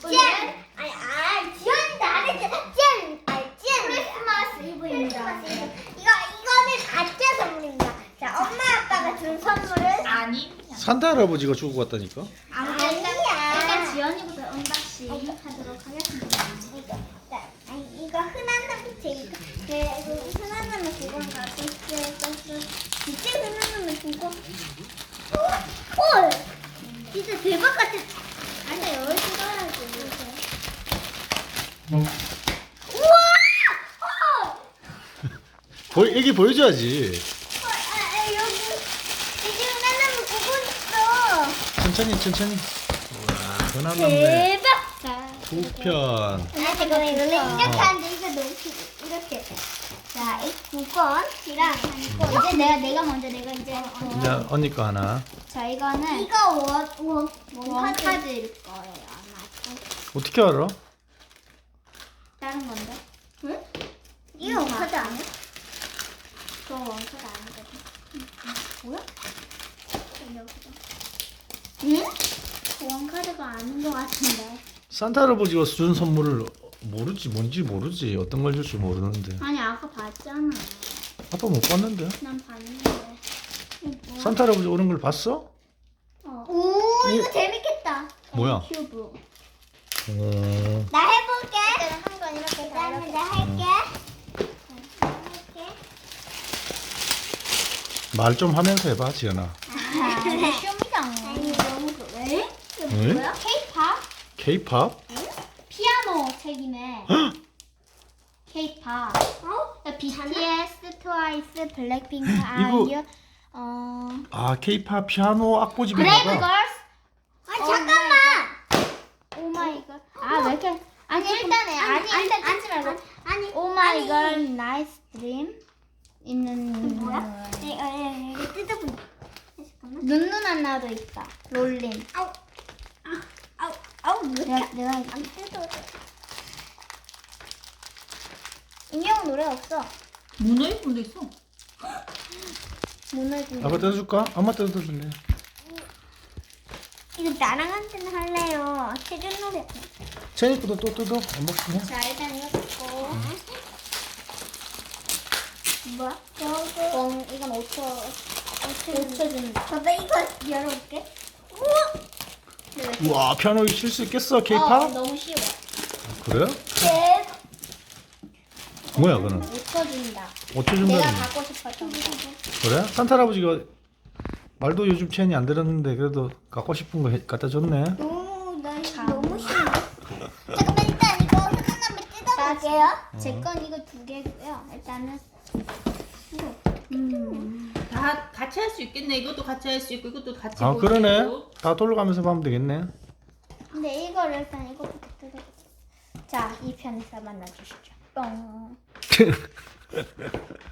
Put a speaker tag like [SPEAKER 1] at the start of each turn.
[SPEAKER 1] 지연이도 안 했잖아. 지연. 크리스마스 이브입니다. 이거는 가짜 선물입니다. 자, 엄마 아빠가 준 선물은
[SPEAKER 2] 아니.
[SPEAKER 3] 산타 할아버지가 주고 갔다니까?
[SPEAKER 1] 아니야.
[SPEAKER 4] 지연이부터 언박싱 하도록 하겠습니다.
[SPEAKER 1] 이거 흔한 놈부터 이거 그리고 흔한 놈은 그건 갖고 있어. 진짜 흔한 놈은 그거. 헐, 진짜 대박 같아. 아니 여기 찍어야지. 우와!
[SPEAKER 3] 애기 보여줘야지.
[SPEAKER 1] 여기 이제 흔한 놈은 그거 있어.
[SPEAKER 3] 천천히. 우와, 흔한 남네.
[SPEAKER 1] 대박. 자.
[SPEAKER 3] 두 편.
[SPEAKER 1] 잠깐만 이렇게 하는데 이거 너무 이렇게. 자, 이 9권이랑 이제 내가 먼저 내가 이제
[SPEAKER 3] 이제 언니 거 하나.
[SPEAKER 4] 자, 이거는
[SPEAKER 1] 이거
[SPEAKER 4] 원카드일 거예요, 아마.
[SPEAKER 3] 어떻게 알아?
[SPEAKER 4] 다른 건데?
[SPEAKER 1] 응? 이거 원카드 아니야?
[SPEAKER 4] 그거 원카드 아니거든. 뭐야? 여기다.
[SPEAKER 1] 응?
[SPEAKER 4] 원카드가 아닌 것 같은데.
[SPEAKER 3] 산타 할아버지가 준 선물을 뭔지 모르지. 어떤 걸 줄지 모르는데.
[SPEAKER 4] 아니, 아까 봤잖아.
[SPEAKER 3] 아빠 못 봤는데.
[SPEAKER 4] 난 봤는데.
[SPEAKER 3] 산타 할아버지 오는 걸 봤어?
[SPEAKER 1] 오, 이거 재밌겠다.
[SPEAKER 3] 뭐야?
[SPEAKER 4] 큐브.
[SPEAKER 1] 나 해볼게. 한 건 이렇게 그다음에 내가 할게.
[SPEAKER 3] 말 좀 하면서 해봐, 지연아.
[SPEAKER 4] 쇼미잖아.
[SPEAKER 1] 아니 너무 왜?
[SPEAKER 3] 응?
[SPEAKER 1] 뭐야?
[SPEAKER 4] K-pop?
[SPEAKER 3] K-pop?
[SPEAKER 4] 피아노 책이네. K-pop.
[SPEAKER 1] 어?
[SPEAKER 4] BTS, 트와이스, 블랙핑크,
[SPEAKER 3] 이거-
[SPEAKER 4] 아이유,
[SPEAKER 3] 아, K-pop 피아노 악보집인가
[SPEAKER 4] 브레이브
[SPEAKER 3] 봐.
[SPEAKER 4] 걸스,
[SPEAKER 1] 아니 잠깐만.
[SPEAKER 4] 오마이걸. 아, 왜 이렇게? 아니 일단에 일단 앉지 말고.
[SPEAKER 1] 아니
[SPEAKER 4] 오마이걸, 나이스 드림 있는
[SPEAKER 1] 뭐야? 이거 뜯어보자. 잠깐만.
[SPEAKER 4] 눈누난 나도 있다. 롤린.
[SPEAKER 1] 아우 왜 이렇게
[SPEAKER 4] 내가
[SPEAKER 1] 안 뜯어? 인형 노래 없어.
[SPEAKER 2] 문어이품도 있어.
[SPEAKER 4] 문어진.
[SPEAKER 3] 아빠 뜯어줄까? 엄마 뜯어줄래?
[SPEAKER 1] 이거 나랑 한테는 할래요. 세준 노래.
[SPEAKER 3] 채니 것도 또 뜯어. 언박싱 해.
[SPEAKER 1] 자 일단 이거 뜯고. 뭐야? 이거
[SPEAKER 4] 이건 5초.
[SPEAKER 1] 5초 준다. 봐봐 이거 열어볼게. 우와.
[SPEAKER 3] 우와, 피아노 칠 수 있겠어, K-pop?
[SPEAKER 4] 너무 쉬워.
[SPEAKER 3] 그래?
[SPEAKER 1] 대박.
[SPEAKER 3] 뭐야, 그는?
[SPEAKER 4] 5초 준다.
[SPEAKER 3] 5초
[SPEAKER 4] 내가
[SPEAKER 3] 준다는
[SPEAKER 4] 갖고 싶었던 거.
[SPEAKER 3] 그래? 산타 할아버지가 말도 요즘 채니 안 들었는데 그래도 갖고 싶은 거 갖다 줬네.
[SPEAKER 1] 나 이거 너무 싫어. 잠깐만 일단 이거 하나만 뜯어볼게요.
[SPEAKER 4] 제 건 이거 2개고요. 일단은
[SPEAKER 2] 다 같이 할 수 있겠네. 이것도 같이 할 수 있고 이것도 같이
[SPEAKER 3] 아,
[SPEAKER 2] 볼수
[SPEAKER 3] 그러네.
[SPEAKER 2] 있고.
[SPEAKER 3] 다 돌아가면서 하면 되겠네.
[SPEAKER 4] 근데 이거를 일단 이거부터 뜯어보자. 자, 이 편에서 만나주시죠. 뿅.